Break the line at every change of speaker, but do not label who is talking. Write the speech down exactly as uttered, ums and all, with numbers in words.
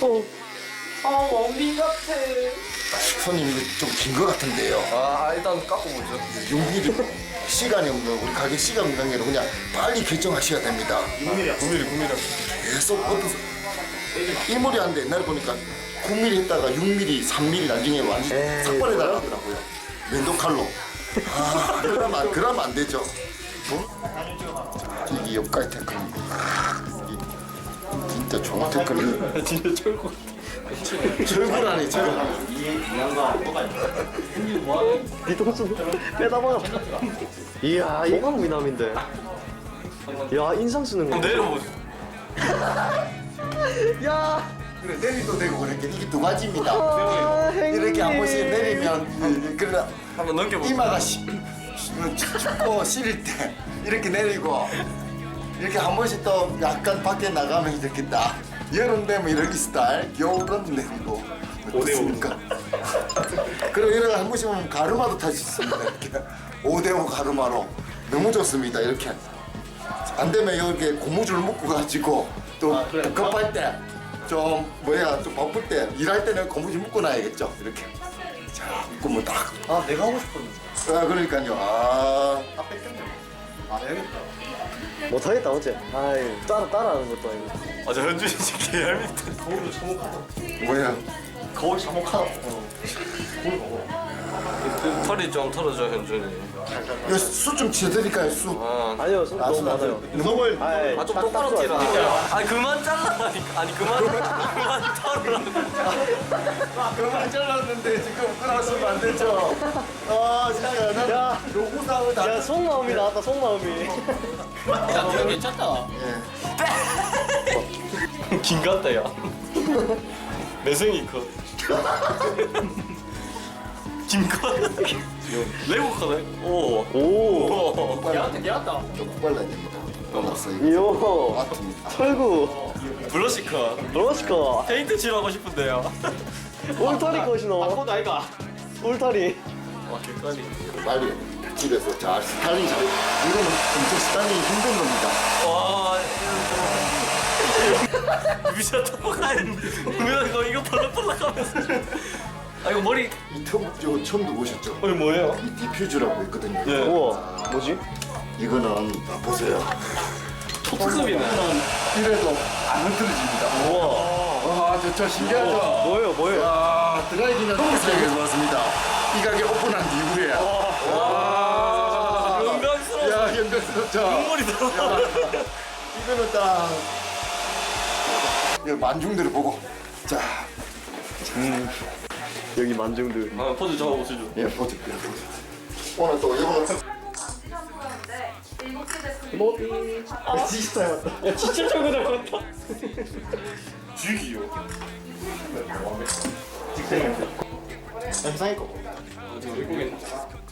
어.
아 원빈 같아.
손님 이거 좀 긴 거 같은데요.
아 일단 깎아보죠.
육 밀리미터 시간이 없는 우리 가게 시간 관계로 그냥 빨리 결정하셔야 됩니다.
구 밀리미터. 구 밀리미터. 구 밀리미터.
계속 어떤 일몰이 하는데 옛날에 보니까 구 밀리미터 했다가 육 밀리미터, 삼 밀리미터 나중에 완전 삭발해 달라더라고요. 면도 칼로. 아 그러면 안, 그러면 안 되죠. 어? 이게 옆까지 태클. 진짜 좋은 태클이.
진짜 철구.
철구라니 철구.
뒤통수 빼다 박았다. 이야 이거 미남인데. 야 인상 쓰는 거.
내려보죠.
야.
그래 내리도 되고 그렇게 이게 두 가지입니다.
아,
이렇게 한 번씩 내리면 그래
한번 넘겨보죠.
이마가 시, 춥고 시릴 때 이렇게 내리고 이렇게 한 번씩 또 약간 밖에 나가면 이렇게 딱 여름 되면 이렇게 스타일 겨울은 내리고 어떻습니까? 그리고 이렇게 한 번씩 보면 가르마도 탈 수 있습니다. 이렇게 오 대 오 가르마로 너무 좋습니다. 이렇게 안 되면 이렇게 고무줄 묶고 가지고 또
아, 그래.
급할 때 좀 뭐야 좀 바쁠 때 일할 때는 고무줄 묶고 놔야겠죠. 이렇게 자 묶으면 딱
아 내가 하고 싶었는데.
아 그러니까요. 아
아 뺏겼네. 안 해야겠다.
못하겠다 어째. 아이 따라 따라하는 것도 아니고.
아저 현준이 진짜 개얄밉다. 거울도 참혹하다.
뭐야?
거울 참혹하다. 털이 좀 털어줘 현준이.
이거 수 좀 치워드릴까요 수?
아,
아니요 손 너무 많아요.
너무
아이,
아 좀
딱-
똑바로
딱
티라.
좋아요.
아니 그만 잘라라니까. 아니 그만 그만 털으라고.
그만 잘랐는데 지금 끊었으면 안 되죠. 아 진짜 난
야.
요구사항을 다.
야 속마음이 나왔다 속마음이.
야 니가 괜찮다.
예.
긴 같다 야. 매생이 컷. 긴 컷. 레고 컷네. 오.
오.
걔한테 걔한다.
좀 빨라야 됩니다. 넘었어 이거.
이요.
아픕니다.
철구.
블러시 컷.
로스커.
페인트 칠하고 싶은데요.
울타리 컷이노.
아이가.
울타리.
와 개까지.
빨리 집에서 잘 스타일링 잘. 이거는 엄청 스타일링 힘든 겁니다.
와. 미쳤다 뭐가 왜 이거 이거 벌럭벌럭하면서. 아 이거 머리.
이 텀, 저 처음 들어보셨죠?
이거 뭐예요?
이 디퓨즈라고 있거든요.
네.
우와 뭐지?
이거는 아, 보세요.
토트급이네.
이래도 안 흐트러집니다.
우와.
와, 저, 저 신기하죠?
뭐예요 뭐예요?
야, 드라이기는 사용해서 왔습니다. 이 가게 오픈한 이후에. 와,
영광스러워.
야, 연결스럽죠?
눈물이 들어.
이거는 딱. 이 만중들을 보고. 자,
여기 만중들.
아 포즈 잡아 보시죠.
예, 보지, 예, 보지. 오늘 또 이거는
뭐비. 아 진짜 닮았다. 야 진짜 철구 닮았다.
죽이요.
영상이 거.
아 지금 외국인.